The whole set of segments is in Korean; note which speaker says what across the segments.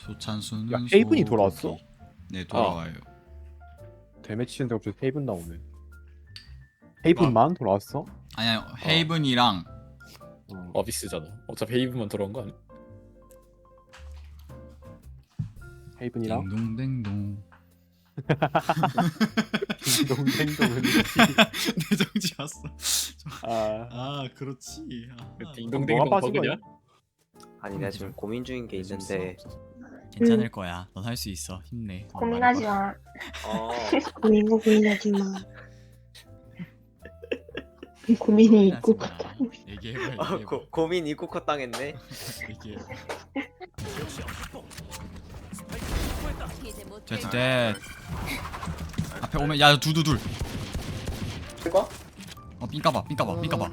Speaker 1: 소찬수는
Speaker 2: 야, 헤이븐이
Speaker 1: 소고기.
Speaker 2: 돌아왔어?
Speaker 1: 네, 돌아와요.
Speaker 2: 데매치 치는데 갑자기 헤이븐 나오네. 헤이븐만 돌아왔어?
Speaker 1: 아니요, 헤이븐이랑
Speaker 3: 어비스잖아. 어차피 헤이브만 돌아온 거 아니야?
Speaker 2: 헤이븐이랑
Speaker 1: 딩동댕동.
Speaker 2: 딩동댕동은
Speaker 1: 내 정지 왔어.
Speaker 2: 아
Speaker 1: 그렇지.
Speaker 3: 딩동댕이
Speaker 2: 뭐가 빠진
Speaker 3: 버그냐?
Speaker 4: 아니 내가 지금 고민 중인 게 있는데
Speaker 1: 괜찮을 거야. 넌 할 수 있어. 힘내.
Speaker 5: 고민하지 마. 고민하지 마. 고민이 있고
Speaker 1: 얘기해봐.
Speaker 4: 고민 입고 컷당했네.
Speaker 1: 얘기해. 됐. 앞에 오면 야 둘.
Speaker 6: 될까?
Speaker 1: 삥까봐.
Speaker 6: 삥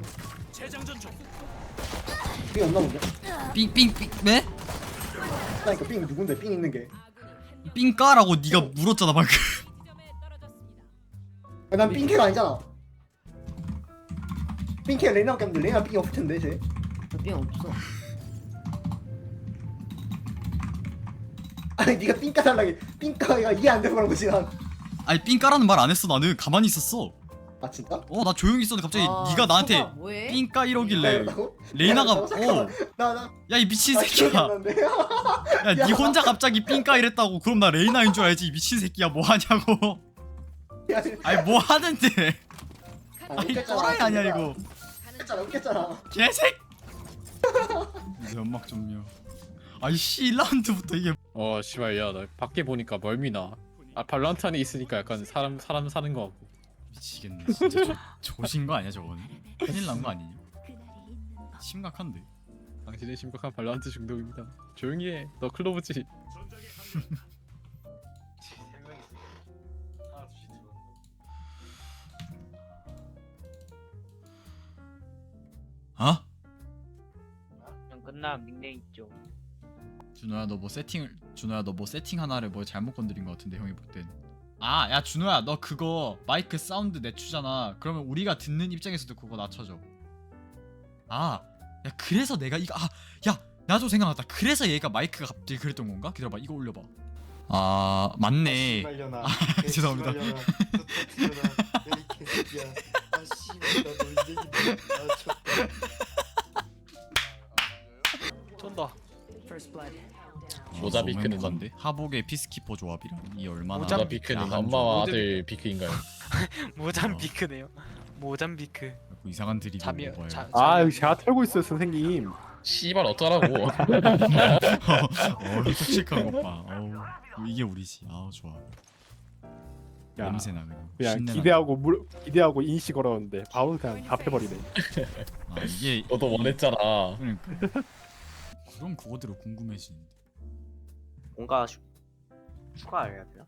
Speaker 6: 없나 본데?
Speaker 1: 삥 네?
Speaker 6: 그러니까 삥 누군데? 삥 있는 게.
Speaker 1: 삥까라고 네가 물었잖아 방금.
Speaker 6: 난 삥캐가 아니잖아. 삥캐 레나밖에 없는데 레나 삥이 없을 텐데 쟤.
Speaker 7: 삥 없어.
Speaker 6: 아니 네가 삥까 달라게 삥까가 이해 안 되고 그런 거지 난.
Speaker 1: 아니 삥까라는 말 안 했어. 나는 가만히 있었어.
Speaker 6: 아 진짜?
Speaker 1: 나 조용히 있었는데 갑자기 네가 나한테
Speaker 7: 뭐해?
Speaker 1: 삥까 이러길래
Speaker 6: 삥까라고?
Speaker 1: 레이나가
Speaker 6: 나나
Speaker 1: 야 이 미친
Speaker 6: 기억이
Speaker 1: 새끼야.
Speaker 6: 안 나는데.
Speaker 1: 야 니 혼자 갑자기 삥까 이랬다고. 그럼 나 레이나인 줄 알지. 이 미친 새끼야 뭐 하냐고.
Speaker 6: 야,
Speaker 1: 아니 뭐 하는데. 아니
Speaker 6: 웃겼잖아,
Speaker 1: 또라이 아니야
Speaker 6: 내가.
Speaker 1: 이거.
Speaker 6: 웃겼잖아.
Speaker 1: 개색. 연막 좀요. 아이씨 1라운드부터 이게
Speaker 3: 씨발 야나 밖에 보니까 멀미나. 발란트 안에 있으니까 약간 사람 사는 거 같고.
Speaker 1: 미치겠네. 진짜 조신 거 아니야 저거는? 큰일 난 거 아니냐? 심각한데.
Speaker 3: 당신의 심각한 발란트 중독입니다. 조용히 해. 너 클로브지.
Speaker 1: 어?
Speaker 8: 그냥 끝나면 닉네임 있죠.
Speaker 1: 준호야 너 뭐 세팅 하나를 뭐 잘못 건드린 거 같은데 형이 볼 땐. 야 준호야 너 그거 마이크 사운드 내추잖아. 그러면 우리가 듣는 입장에서도 그거 낮춰줘. 야 그래서 내가 이거 야 나도 생각났다. 그래서 얘가 마이크가 갑자기 그랬던 건가? 기다려봐 이거 올려봐. 맞네. 죄송합니다.
Speaker 8: 쏜다.
Speaker 3: 모자 비크는
Speaker 1: 건데 하복의 피스키퍼 조합이랑 이 얼마나
Speaker 3: 모자 비크는
Speaker 1: 야한
Speaker 3: 엄마와
Speaker 8: 조합.
Speaker 3: 아들 비크인가요?
Speaker 8: 모잠비크네요. 모잠비크.
Speaker 1: 조합. 이상한 드립을
Speaker 8: 잠이요.
Speaker 1: 먹어요.
Speaker 2: 아 여기 제가 털고 있어요 선생님.
Speaker 3: 씨발 어쩌라고.
Speaker 1: 톡식한 것 봐. 이게 우리지. 좋아.
Speaker 2: 야,
Speaker 1: 냄새나 그냥.
Speaker 2: 그냥
Speaker 1: 신내나.
Speaker 2: 기대하고 인식 걸었는데 바로 그냥 답해버리네.
Speaker 1: 이게
Speaker 3: 너도 원했잖아.
Speaker 1: 그러니까. 그럼 그거대로 궁금해지는데.
Speaker 4: 뭔가 추가해야 되나?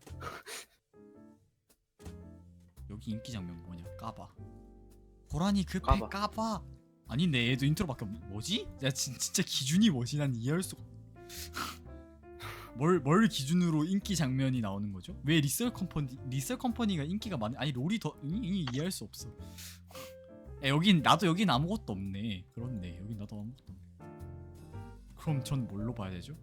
Speaker 1: 여기 인기 장면 뭐냐? 까봐. 고라니 그 배
Speaker 4: 까봐.
Speaker 1: 까봐. 아닌데 얘도 인트로밖에 뭐지? 야 진짜 기준이 뭐지? 난 이해할 수가. 뭘 기준으로 인기 장면이 나오는 거죠? 왜 리셀 컴퍼니가 인기가 많아? 아니 롤이 더 이해할 수 없어. 여긴 아무것도 없네. 그렇네. 여긴 나도 아무것도 없네. 그럼 전 뭘로 봐야 되죠?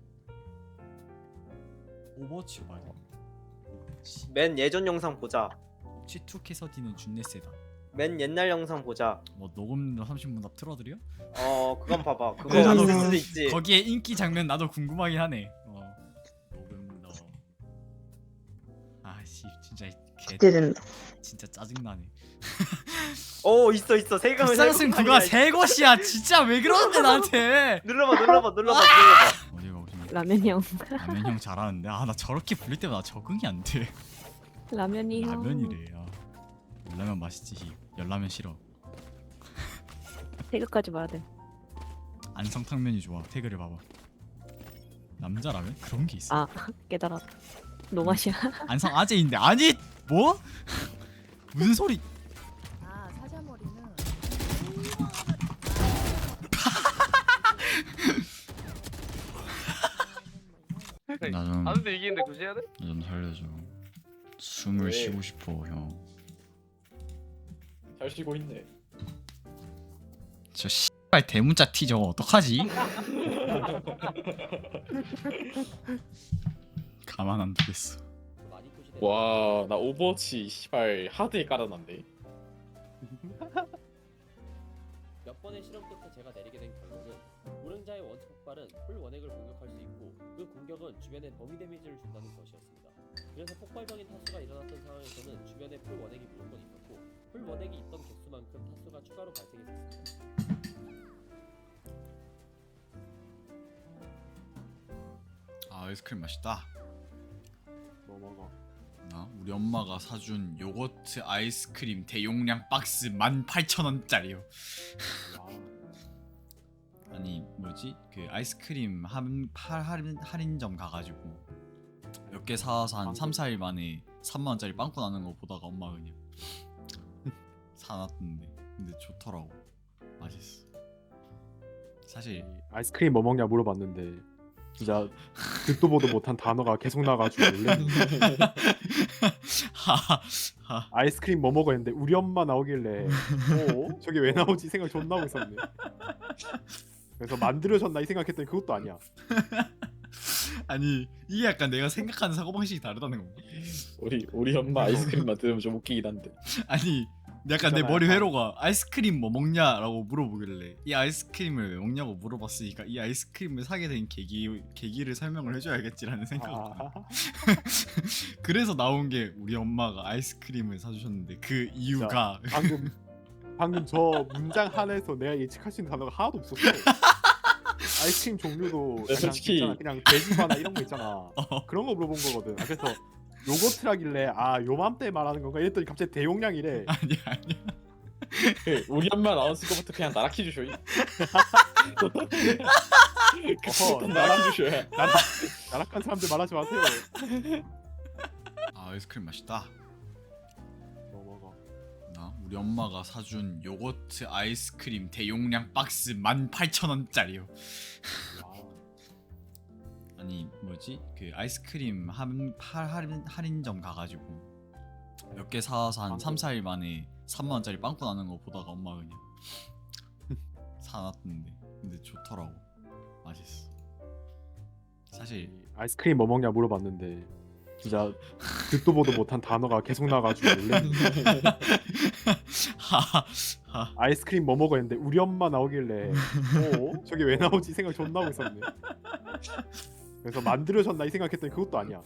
Speaker 1: 오버워치로 봐야 돼.
Speaker 4: 맨 예전 영상 보자.
Speaker 1: 혹시 2 캐서디는 준내 세다.
Speaker 4: 맨 옛날 영상 보자.
Speaker 1: 뭐 녹음 30분 앞 틀어드려?
Speaker 4: 그건 봐봐. 그거
Speaker 1: 네, 나도
Speaker 4: 있을 수도 있지.
Speaker 1: 거기에 인기 장면 나도 궁금하긴 하네. 녹음 너. 아씨 진짜
Speaker 5: 기대된다.
Speaker 1: 진짜 짜증나네.
Speaker 4: 있어. 세금
Speaker 1: 불쌍승 그가 새 것이야. 진짜 왜 그러는데 나한테.
Speaker 4: 눌러봐.
Speaker 1: 어디 가고 싶냐?
Speaker 7: 라면이 형.
Speaker 1: 라면 형 잘하는데 나 저렇게 부를 때마다 적응이 안 돼.
Speaker 7: 라면이 형.
Speaker 1: 라면이래. 열라면 맛있지. 열라면 싫어.
Speaker 7: 태그까지 말야 돼.
Speaker 1: 안성탕면이 좋아. 태그를 봐봐. 남자라면 그런 게 있어.
Speaker 7: 깨달았다. 노맛이야.
Speaker 1: 안성 아재인데 아니 뭐? 무슨 소리?
Speaker 7: 사자머리는.
Speaker 1: 나좀
Speaker 8: 아는데 이기는데 굳이 해야 돼?
Speaker 1: 살려줘. 숨을
Speaker 3: 왜?
Speaker 1: 쉬고 싶어 형.
Speaker 3: 잘 쉬고 있네.
Speaker 1: 저 씨발 대문자 티 저거 어떡하지? 가만 안 두겠어.
Speaker 3: 와, 나 오버워치 씨발 하드에 깔아놨네.
Speaker 9: 몇 번의 실험 끝에 제가 내리게 된 결론은 우릉자의 원투 폭발은 풀 원액을 공격할 수 있고 그 공격은 주변에 범위 데미지를 준다는 것이었습니다. 그래서 폭발적인 타수가 일어났던 상황에서는 주변에 풀 원액이 무조건 있었고 풀 원액이 있던 개수만큼 타수가 추가로 발생했습니다.
Speaker 1: 아 아이스크림 맛있다.
Speaker 2: 뭐 먹어?
Speaker 1: 우리 엄마가 사준 요거트 아이스크림 대용량 박스 18,000원짜리요. 아니 뭐지 그 아이스크림 할인점 가가지고 몇 개 사와서 한 3, 4일 만에 3만원짜리 빵꾸 나는 거 보다가 엄마가 그냥 사놨던데 근데 좋더라고. 맛있어. 사실
Speaker 2: 아이스크림 뭐 먹냐 물어봤는데 진짜 듣도 보도 못한 단어가 계속 나가지고 놀랐네. 아이스크림 뭐 먹어 했는데 우리 엄마 나오길래 저게 왜 나오지 생각 존나 하고 있었네. 그래서 만들어졌나 이 생각했더니 그것도 아니야.
Speaker 1: 아니 이게 약간 내가 생각하는 사고방식이 다르다는 건가?
Speaker 3: 우리 엄마 아이스크림만 들으면 좀 웃기긴 한데.
Speaker 1: 아니 약간 내
Speaker 2: 있잖아요.
Speaker 1: 머리 회로가 아이스크림 뭐 먹냐라고 물어보길래 이 아이스크림을 왜 먹냐고 물어봤으니까 이 아이스크림을 사게 된 계기를 설명을 해줘야겠지라는 생각. 그래서 나온 게 우리 엄마가 아이스크림을 사주셨는데 그 이유가
Speaker 2: 방금 저 문장 하나에서 내가 예측할 수 있는 단어가 하나도 없었어. 아이스크림 종류도
Speaker 3: 네,
Speaker 2: 그냥
Speaker 3: 솔직히-
Speaker 2: 있잖아, 그냥 돼지바나 이런 거 있잖아. 그런 거 물어본 거거든. 그래서 요거트라길래 요맘때 말하는 건가 이랬더니 갑자기 대용량이래.
Speaker 1: 아니야.
Speaker 3: 우리 엄마 나왔을 거부터 그냥 나락해 주셔.
Speaker 2: 어허,
Speaker 3: 나락해 주셔야.
Speaker 2: 나락한 사람들 말하지 마세요.
Speaker 1: 아 아이스크림 맛있다.
Speaker 2: 뭐 먹어?
Speaker 1: 우리 엄마가 사준 요거트 아이스크림 대용량 박스 18,000원짜리요. 아니 뭐지 그 아이스크림 할인점 가가지고 몇 개 사와서 한 3, 4일 만에 3만원짜리 빵꾸 나는 거 보다가 엄마가 그냥 사놨던데 근데 좋더라고. 맛있어. 사실
Speaker 2: 아이스크림 뭐 먹냐 물어봤는데 진짜 듣도 보도 못한 단어가 계속 나가지고 놀랐네. 아이스크림 뭐 먹어 했는데 우리 엄마 나오길래 저게 왜 나오지 생각 존나 하고 있었네. 그래서 만들어졌나 이 생각했더니 그것도 아니야.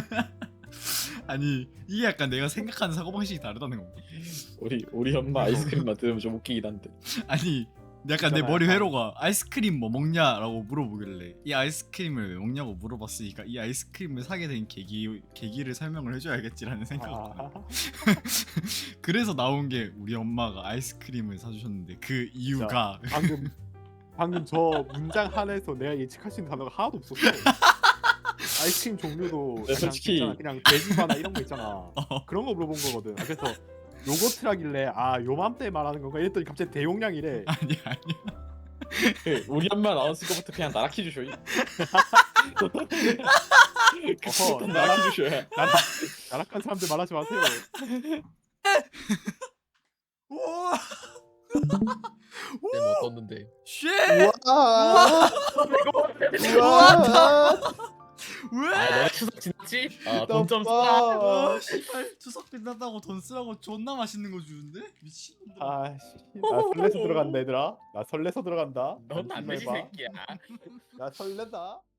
Speaker 1: 아니 이게 약간 내가 생각하는 사고방식이 다르다는 건가?
Speaker 3: 우리 엄마 아이스크림만 들으면 좀 웃기긴 한데.
Speaker 1: 아니 약간 내
Speaker 2: 있잖아요.
Speaker 1: 머리 회로가 아이스크림 뭐 먹냐라고 물어보길래 이 아이스크림을 왜 먹냐고 물어봤으니까 이 아이스크림을 사게 된 계기를 설명을 해줘야겠지라는 생각. 그래서 나온 게 우리 엄마가 아이스크림을 사주셨는데 그 이유가
Speaker 2: 방금 저 문장 하나에서 내가 예측할 수 있는 단어가 하나도 없었어. 아이스크림 종류도
Speaker 3: 네,
Speaker 2: 그냥
Speaker 3: 솔직히-
Speaker 2: 있잖아, 그냥 돼지바나 이런 거 있잖아. 그런 거 물어본 거거든. 그래서 요거트라길래 요맘때 말하는 건가 이랬더니 갑자기 대용량이래.
Speaker 1: 아니야.
Speaker 3: 우리 엄마 나왔을 거부터 그냥 나락해 주셔.
Speaker 2: 어허,
Speaker 3: 나락해 주셔야.
Speaker 2: 나락한 사람들 말하지 마세요.
Speaker 9: 쌤 어떻는데?
Speaker 1: 쉣!
Speaker 6: 우와.
Speaker 1: 왜?
Speaker 9: 너네 추석 지났지? 돈 좀
Speaker 6: 봐.
Speaker 1: 씨발 추석 끝났다고 돈 쓰라고 존나 맛있는 거 주는데? 미친놈들.
Speaker 2: 나 설레서 들어간다 얘들아. 나 설레서 들어간다.
Speaker 9: 넌안 되지
Speaker 2: 봐.
Speaker 9: 새끼야.
Speaker 2: 나 설레다.